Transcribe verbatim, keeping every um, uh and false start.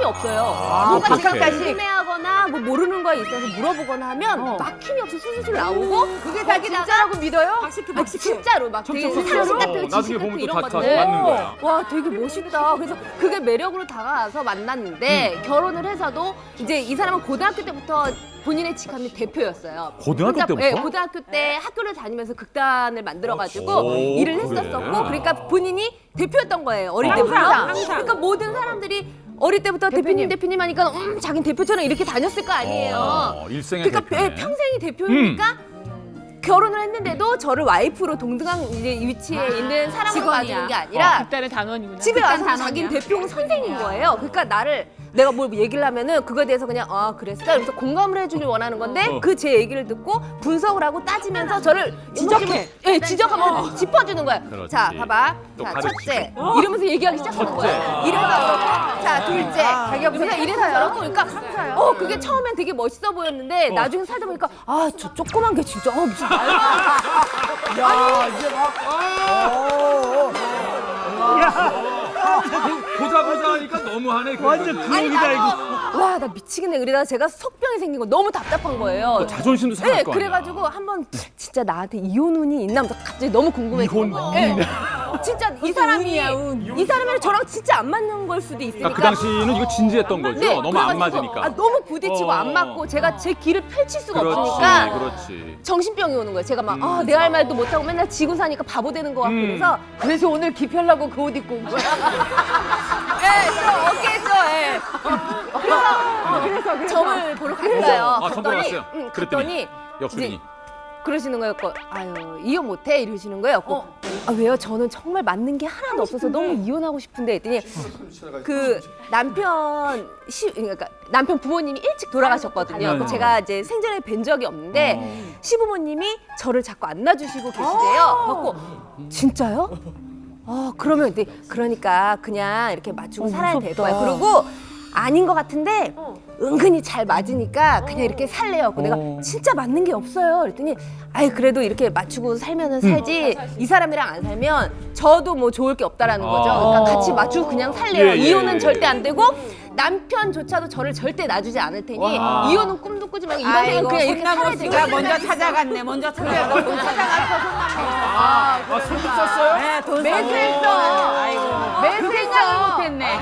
막힘이 없어요. 아, 뭔가 제가 어떡해. 궁금해하거나 뭐 모르는 거에 있어서 물어보거나 하면 어. 막힘이 없이 술술 나오고 그게 다 진짜라고 믿어요? 박시크, 박시크. 진짜로 막 되게 진짜 상식 같은 어, 거, 나중에 지식 보면 같은 또 이런 다- 거 다 같아. 맞는 거야. 와 되게 멋있다. 그래서 그게 매력으로 다가와서 만났는데 음. 결혼을 해서도 이제 이 사람은 고등학교 때부터 본인의 직함이 대표였어요. 고등학교 혼자- 때부터? 예, 고등학교 때 학교를 다니면서 극단을 만들어가지고 오, 일을 그래. 했었었고 그러니까 본인이 대표였던 거예요. 어릴 때부터. 항상, 항상. 그러니까 모든 사람들이 어릴 때부터 대표님 대표님 하니까 음 자긴 대표처럼 이렇게 다녔을 거 아니에요. 어, 일생의 그러니까 대표네. 예, 평생이 대표니까 결혼을 했는데도 저를 와이프로 동등한 이제 위치에 있는 사람으로 봐주는 게 아니라 극단의 단원이구나. 집에 극단 와서 단원이야. 자기는 대표 선생인 거예요. 그러니까 나를 내가 뭘 얘기를 하면은 그거에 대해서 그냥 아 그랬어. 그래서 공감을 해주길 원하는 건데 어. 그 제 얘기를 듣고 분석을 하고 따지면서 저를 지적해. 예, 지적하면 짚어주는 거야. 그렇지. 자, 봐봐. 또 자, 가르치고. 첫째. 이러면서 얘기하기 시작하는 거야. 이래서 그렇고, 자, 둘째. 자기가 무슨 이래서 저렇고. 그러니까 어, 그게 처음엔 되게 멋있어 보였는데 나중에 살다 보니까 아, 저 조그만 게 진짜 어, 무슨 말도 야, 이제 막. 어, 어. 보자 보자 하니까 너무하네. 완전 아니 나도 와 나 미치겠네 그러다가 제가 속병이 생긴 거 너무 답답한 거예요. 자존심도 상할 네, 거 아니야. 그래가지고 한번 진짜 나한테 이혼 운이 있나 하면서 갑자기 너무 궁금해진 이혼 거예요. 운이? 네. 진짜 이 사람이 운이야, 운. 이 사람이랑 저랑 진짜 안 맞는 걸 수도 있으니까. 그러니까 그 당시는 이거 진지했던 거죠. 네, 너무 안 그래가지고 맞으니까. 아, 너무 부딪히고 어. 안 맞고 제가 제 길을 펼칠 수가 그렇지, 없으니까 그렇지. 정신병이 오는 거예요. 제가 막 음. 아, 내 할 말도 못하고 맨날 지고 사니까 바보 되는 것 같고 음. 그래서 그래서 오늘 기피하려고 그 옷 입고 온 거야. 예, 좀 어깨죠, 예. 그래서, 그래서, 점을 보러 갔어요. 아, 점 보러 갔어요? 응, 그랬더니 갔더니 역순이. 이제 그러시는 거였고, 아유, 이혼 못해? 이러시는 거예요. 어. 아, 왜요? 저는 정말 맞는 게 하나도 없어서 너무 이혼하고 싶은데 했더니 그 남편 시 그러니까 남편 부모님이 일찍 돌아가셨거든요. 네. 제가 이제 생전에 뵌 적이 없는데 어. 시부모님이 저를 자꾸 안 놔주시고 계시대요. 그래갖고 진짜요? 아 그러면 근데 그러니까 그냥 이렇게 맞추고 살아야 될 거야. 그리고 아닌 것 같은데 은근히 잘 맞으니까 그냥 이렇게 살래요. 그래서 어. 내가 진짜 맞는 게 없어요. 그랬더니 아이 그래도 이렇게 맞추고 살면은 살지 이 사람이랑 안 살면 저도 뭐 좋을 게 없다라는 거죠. 그러니까 같이 맞추고 그냥 살래요. 예, 예, 이혼은 예. 절대 안 되고 남편조차도 저를 절대 놔주지 않을 테니 와. 이혼은 꿈도 꾸지 말고 이번 생은 그냥 이렇게 살아야 손나무 되고 씨가 먼저 찾아갔네. 먼저 찾아갔어. 아, 손 썼어요? 네, 돈 매수했어. 아이고. 매수했어. 못했네.